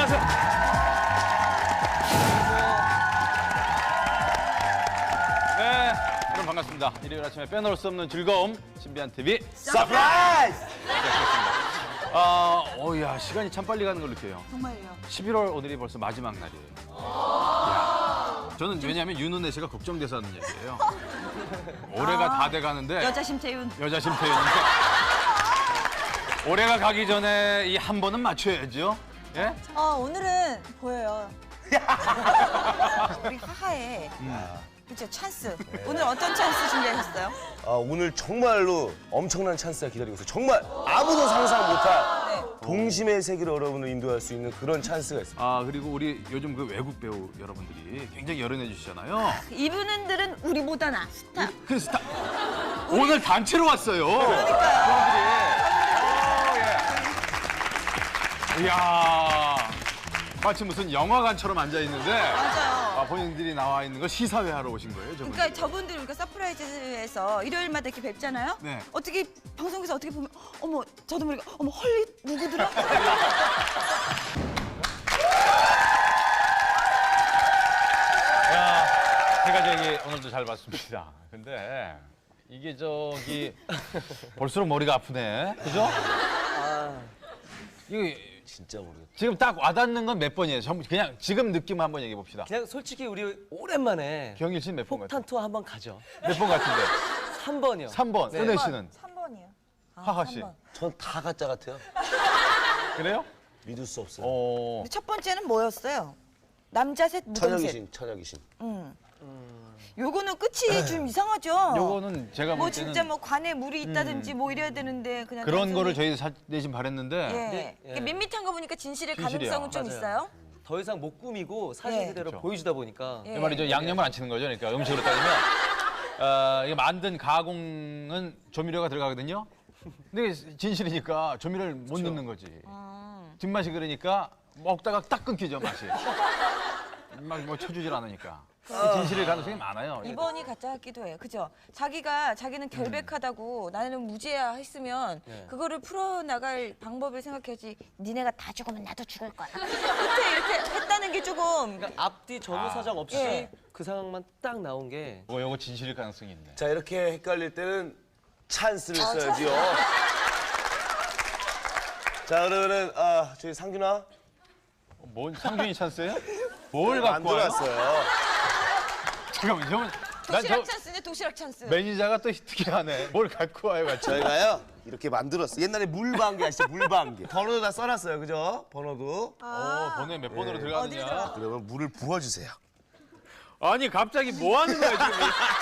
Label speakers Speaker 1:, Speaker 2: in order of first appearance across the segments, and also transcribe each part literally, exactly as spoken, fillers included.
Speaker 1: 안녕하세요. 네, 여러분 반갑습니다. 일요일 아침에 빼놓을 수 없는 즐거움, 신비한 티비
Speaker 2: 서프라이즈!
Speaker 1: 아, 어야 시간이 참 빨리 가는 걸 느껴요.
Speaker 3: 정말요.
Speaker 1: 십일월 오늘이 벌써 마지막 날이에요. 이야, 저는 왜냐하면 윤은혜 씨가 걱정돼서 하는 얘기예요. 올해가
Speaker 3: 아,
Speaker 1: 다 돼가는데
Speaker 3: 여자 심태윤.
Speaker 1: 여자 심태윤인데 올해가 가기 전에 이 한 번은 맞춰야죠. 예?
Speaker 3: 어, 오늘은 보여요. 우리 하하의 그죠 찬스. 오늘 어떤 찬스 준비하셨어요?
Speaker 2: 아, 오늘 정말로 엄청난 찬스가 기다리고 있어요. 정말 아무도 상상 못할
Speaker 3: 네.
Speaker 2: 동심의 세계로 여러분을 인도할 수 있는 그런 찬스가 있습니다.
Speaker 1: 아 그리고 우리 요즘 그 외국 배우 여러분들이 굉장히 열연해 주시잖아요.
Speaker 3: 이분들은 우리보다 나 스타.
Speaker 1: 그 스타 오늘 단체로 왔어요.
Speaker 3: 그러니까요.
Speaker 1: 예. 이야 마치 무슨 영화관처럼 앉아 있는데
Speaker 3: 맞아요.
Speaker 1: 아, 본인들이 나와 있는 걸 시사회 하러 오신 거예요, 저분.
Speaker 3: 그러니까 저분들 우리가 서프라이즈에서 일요일마다 이렇게 뵙잖아요.
Speaker 1: 네.
Speaker 3: 어떻게 방송에서 어떻게 보면 어머 저도 모르게 어머 헐리 누구더라?
Speaker 1: 야, 제가 저기 오늘도 잘 봤습니다. 근데 이게 저기 볼수록 머리가 아프네, 그죠?
Speaker 2: 아,
Speaker 1: 이거
Speaker 2: 진짜 모르겠다.
Speaker 1: 지금 딱 와닿는 건 몇 번이에요? 전 그냥 지금 느낌 한번 얘기해 봅시다.
Speaker 4: 그냥 솔직히 우리 오랜만에
Speaker 1: 경일 씨는 몇 번
Speaker 4: 폭탄
Speaker 1: 같아요?
Speaker 4: 투어 한번 가죠.
Speaker 1: 몇 번 같은데?
Speaker 4: 삼 번이요.
Speaker 1: 삼 번.
Speaker 4: 네.
Speaker 1: 은혜 씨는?
Speaker 3: 삼 번이요. 아,
Speaker 1: 하하 씨.
Speaker 3: 삼 번.
Speaker 2: 전 다 가짜 같아요.
Speaker 1: 그래요?
Speaker 2: 믿을 수 없어요.
Speaker 1: 어.
Speaker 3: 근데 첫 번째는 뭐였어요? 남자 셋, 무덤 셋.
Speaker 2: 천여귀신, 천여귀신.
Speaker 3: 응. 요거는 끝이 좀 이상하죠?
Speaker 1: 요거는 제가
Speaker 3: 뭐
Speaker 1: 볼 때는
Speaker 3: 진짜 뭐 관에 물이 있다든지 뭐 이래야 되는데 그냥
Speaker 1: 그런
Speaker 3: 단순히-
Speaker 1: 거를 저희 사, 내심 바랬는데
Speaker 3: 예.
Speaker 4: 네,
Speaker 3: 이게
Speaker 4: 예.
Speaker 3: 밋밋한 거 보니까 진실의
Speaker 1: 진실이야.
Speaker 3: 가능성은 좀
Speaker 4: 맞아요.
Speaker 3: 있어요.
Speaker 4: 더 이상 못 꾸미고 사실
Speaker 3: 예.
Speaker 4: 그대로
Speaker 1: 그렇죠.
Speaker 4: 보여주다 보니까
Speaker 3: 예.
Speaker 1: 그 말이죠. 양념을 안 치는 거죠. 그러니까 음식으로 따지면 어, 이게 만든 가공은 조미료가 들어가거든요. 근데 이게 진실이니까 조미료를 못 넣는 거지.
Speaker 3: 음.
Speaker 1: 뒷맛이 그러니까 먹다가 딱 끊기죠 맛이. 막 뭐 쳐주질 않으니까. 진실일 가능성이 많아요.
Speaker 3: 이번이 가짜 같기도 해요. 그죠? 자기가 자기는 결백하다고 나는 무죄야 했으면
Speaker 4: 네.
Speaker 3: 그거를 풀어나갈 방법을 생각해야지 니네가 다 죽으면 나도 죽을 거야. 그때 이렇게 했다는 게 조금
Speaker 4: 그러니까 앞뒤 전후 사정 없이
Speaker 3: 예.
Speaker 4: 그 상황만 딱 나온 게
Speaker 1: 이거 요거 진실일 가능성이 있네.
Speaker 2: 자, 이렇게 헷갈릴 때는 찬스를 써야지요. 자, 그러면은 아, 저희 상균아
Speaker 1: 뭔 상준이 찬스예요? 뭘 갖고 와요?
Speaker 2: 만들었어요.
Speaker 1: 잠깐만, 저는 난
Speaker 3: 도시락
Speaker 1: 저
Speaker 3: 찬스네 도시락 찬스.
Speaker 1: 매니저가 또 특이하네. 뭘 갖고 와요, 같이.
Speaker 2: 저희가요 이렇게 만들었어요. 옛날에 물방개 아시죠? 물방개. 번호도 다 써놨어요, 그죠? 번호도.
Speaker 1: 어, 번호에 몇 번으로 들어가느냐.
Speaker 3: 들어가?
Speaker 2: 그러면 물을 부어주세요.
Speaker 1: 아니, 갑자기 뭐 하는 거야, 지금?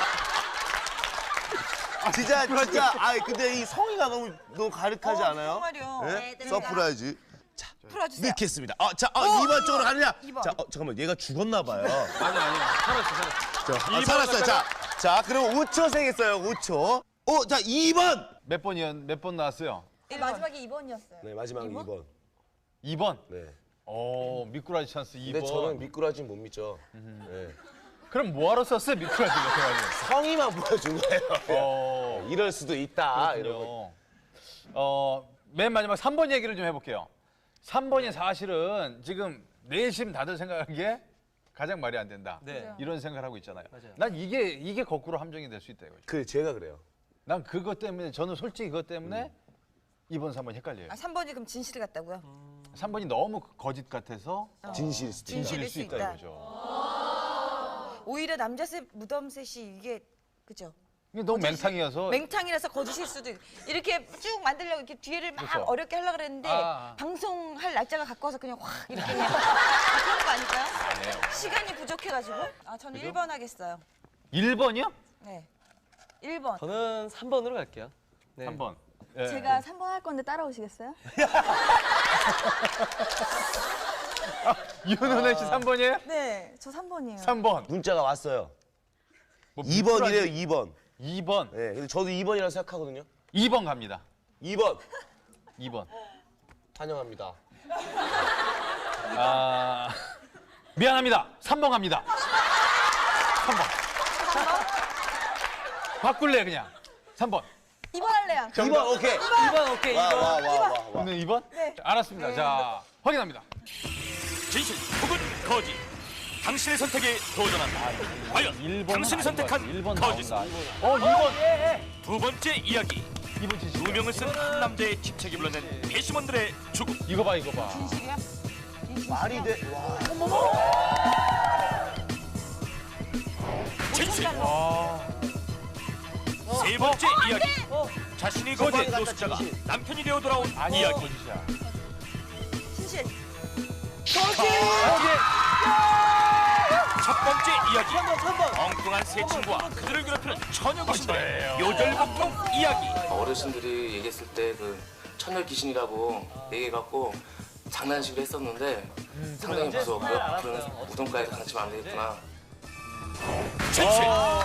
Speaker 2: 진짜 진짜. 아, 근데 이 성의가 너무 너무 가득하지
Speaker 3: 어,
Speaker 2: 않아요?
Speaker 3: 정말요.
Speaker 2: 네?
Speaker 3: 네,
Speaker 2: 서프라이즈.
Speaker 3: 풀어주세요.
Speaker 2: 넣겠습니다. 아, 자, 아, 이 번 쪽으로 가느냐?
Speaker 3: 이 번.
Speaker 2: 자, 어, 잠깐만, 얘가 죽었나 봐요.
Speaker 1: 아니, 아니, 살았어, 살았어.
Speaker 2: 자, 아,
Speaker 1: 이
Speaker 2: 살았어요.
Speaker 1: 번
Speaker 2: 자, 자, 그럼 오 초 세겠어요. 오 초. 어, 자, 이 번.
Speaker 1: 몇 번이었, 몇 번 나왔어요?
Speaker 3: 네, 마지막에 이 번이었어요.
Speaker 2: 네, 마지막 이 번.
Speaker 1: 이 번?
Speaker 2: 네.
Speaker 1: 오, 미꾸라지 찬스 이 번.
Speaker 2: 근데 저는 미꾸라지는 못 믿죠. 네.
Speaker 1: 그럼 뭐하러 썼어요, 미꾸라지 같아가지고.
Speaker 2: 성의만 보여준 거예요.
Speaker 1: 어,
Speaker 2: 이럴 수도 있다. 이런 거.
Speaker 1: 그렇군요. 어, 맨 마지막 삼 번 얘기를 좀 해볼게요. 삼 번이 사실은 지금 내심 다들 생각하기에 가장 말이 안 된다.
Speaker 4: 네.
Speaker 1: 이런 생각을 하고 있잖아요.
Speaker 4: 맞아요.
Speaker 1: 난 이게, 이게 거꾸로 함정이 될 수 있다 이거죠.
Speaker 2: 그 제가 그래요.
Speaker 1: 난 그것 때문에, 저는 솔직히 그것 때문에 이 번, 삼 번 헷갈려요.
Speaker 3: 아, 삼 번이 그럼 진실 같다고요?
Speaker 1: 삼 번이 너무 거짓 같아서
Speaker 2: 진실일 수도 있다.
Speaker 1: 진실일
Speaker 3: 진실일
Speaker 1: 수
Speaker 3: 수
Speaker 1: 있다
Speaker 3: 있다.
Speaker 1: 이거죠.
Speaker 3: 오히려 남자 셋 무덤 셋이 이게 그죠?
Speaker 1: 이게 너무 맹탕이어서
Speaker 3: 맹탕이라서 거짓일 수도 있고 이렇게 쭉 만들려고 이렇게 뒤를 막
Speaker 1: 그렇죠.
Speaker 3: 어렵게 하려고 그랬는데
Speaker 1: 아, 아.
Speaker 3: 방송할 날짜가 가까워서 그냥 확 이렇게 그냥 아, 그런 거 아닐까요?
Speaker 1: 아니에요.
Speaker 3: 시간이 부족해가지고 아 저는 일 번 하겠어요.
Speaker 1: 일 번이요?
Speaker 3: 네, 일 번.
Speaker 4: 저는 삼 번으로 갈게요. 네.
Speaker 1: 삼 번. 예.
Speaker 5: 제가 삼 번 할 건데 따라오시겠어요?
Speaker 1: 윤은혜 씨 삼 번이에요?
Speaker 5: 네, 저 삼 번이에요.
Speaker 1: 삼 번.
Speaker 2: 문자가 왔어요.
Speaker 1: 뭐
Speaker 2: 이 번이래요, 이 번.
Speaker 1: 이 번.
Speaker 2: 네, 근데 저도 이 번이라고 생각하거든요.
Speaker 1: 이 번 갑니다.
Speaker 2: 이 번.
Speaker 1: 이 번.
Speaker 2: 환영합니다.
Speaker 1: 아, 미안합니다. 삼 번 갑니다. 삼 번. 바꿀래 그냥. 삼 번.
Speaker 5: 이 번 할래요.
Speaker 2: 이 번, 오케이.
Speaker 4: 이 번 오케이. 이
Speaker 2: 와,
Speaker 4: 번.
Speaker 2: 와, 와, 와, 와.
Speaker 1: 오늘 이 번?
Speaker 5: 네.
Speaker 1: 알았습니다. 자, 확인합니다.
Speaker 6: 진실 혹은 거짓. 당신의 선택에 도전한다. 과연
Speaker 1: 일 번은
Speaker 6: 당신이
Speaker 1: 아닌 것
Speaker 6: 선택한
Speaker 1: 같아. 일 번
Speaker 6: 거짓.
Speaker 1: 나온다. 어, 일 번.
Speaker 6: 두 번째 이야기.
Speaker 1: 이번 진실.
Speaker 6: 두 명을 쓴 한 남자의 집착이 불러낸 배심원들의 죽음.
Speaker 1: 이거 봐, 이거 봐.
Speaker 2: 말이 돼. 와.
Speaker 6: 진실.
Speaker 1: 아,
Speaker 6: 세 번째 이야기. 자신이 거부한
Speaker 4: 거짓.
Speaker 6: 노숙자가
Speaker 4: 진실.
Speaker 6: 남편이 되어 돌아온
Speaker 1: 아니,
Speaker 6: 이야기.
Speaker 1: 거짓이야.
Speaker 3: 진실.
Speaker 6: 첫 번째 이야기.
Speaker 4: 삼 번, 삼 번.
Speaker 6: 엉뚱한 새 친구와 그들을 괴롭히는 처녀 귀신들의 요절복통 이야기.
Speaker 7: 어르신들이 얘기했을 때 그 처녀 귀신이라고 얘기해갖고 장난식으로 했었는데 상당히 무서웠고요. 앞으로는 무덤가에서 장난치면 안 되겠구나.
Speaker 6: 진실.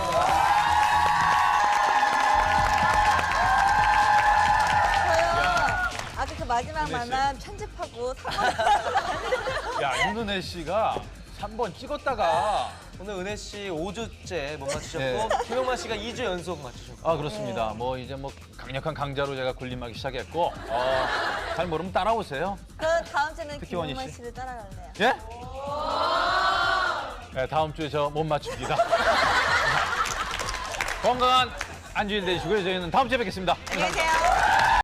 Speaker 5: 저요. 아까 그 마지막 만남 편집하고 삼 번.
Speaker 1: 야, 윤은혜 씨가 삼 번 찍었다가
Speaker 4: 오늘 은혜 씨 오 주째 못 맞추셨고
Speaker 1: 네.
Speaker 4: 김용만 씨가 이 주 연속 맞추셨고.
Speaker 1: 아 그렇습니다. 뭐 이제 뭐 강력한 강자로 제가 군림하기 시작했고 어, 잘 모르면 따라오세요.
Speaker 5: 그 다음 주는
Speaker 1: 특히 원희
Speaker 5: 김용만
Speaker 1: 씨.
Speaker 5: 씨를 따라갈래요.
Speaker 1: 예? 네, 다음 주에 저 못 맞춥니다. 건강한 안주일 되시고요. 저희는 다음 주에 뵙겠습니다.
Speaker 3: 안녕히 계세요.